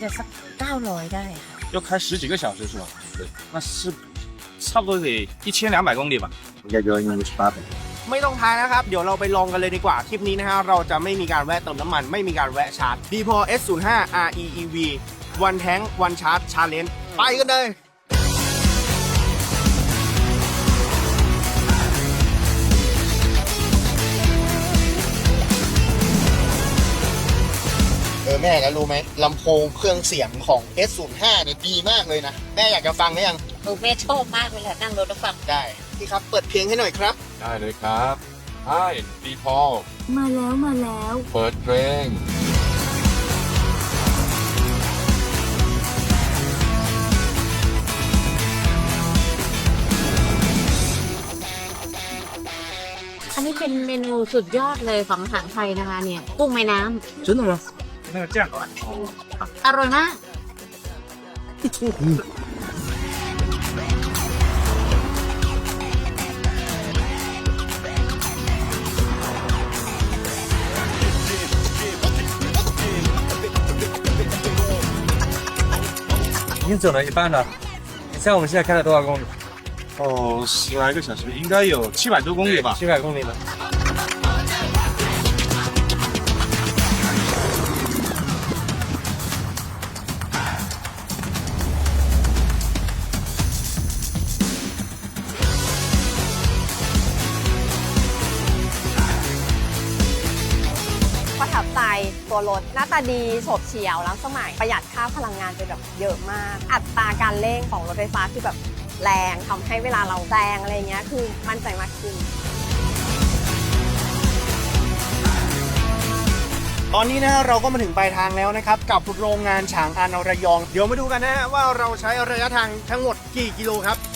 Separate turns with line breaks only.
จะสัก900ได้ค่ะ
要开10几个小时是吧？对，那是差不多得1200公里吧。
应该就15800。
ไม่ต้องท้ายนะครับ เดี๋ยวเราไปลองกันเลยดีกว่า ทริปนี้นะฮะ เราจะไม่มีการแวะเติมน้ำมัน ไม่มีการแวะชาร์จ D-Pol S05 REEV One Tank One Charge Challenge ไปกันเลย แม่แล้วรู้ไหมลำโพงเครื่องเสียงของ S05 เนี่ยดีมากเลยนะ แม่อยากจะฟังหรือยัง
แม่ชอบมากเลยค่ะนั่งรถแล้วฟัง
ได้พี่ครับ เปิดเพลงให้หน่อยครับ
ได้เลยครับใช่ดีพอ
มาแล้ว
เปิดเพลง
อันนี้เป็นเมนูสุดยอดเลยของอาหารไทยนะคะเนี่ยกุ้งแม่น้ำ
真的吗？那个这样
อร่อยมาก
已经走了一半了，你猜我们现在开了多少公里
哦，10来个小时，应该有700多公里吧。
？700公里了。
ประทับใจตัวรถหน้าตาดีโฉบเฉี่ยวล้ำสมัยประหยัดค่าพลังงานไปแบบเยอะมาก อัตราการเร่งของรถไฟฟ้าคือแบบแรงทำให้เวลาเราแซงอะไรเงี้ยคือมั่นใจมากขึ้น
ตอนนี้นะเราก็มาถึงปลายทางแล้วนะครับ กับโรงงานฉางอันระยอง เดี๋ยวมาดูกันนะฮะว่าเราใช้ระยะทางทั้งหมดกี่กิโลครับ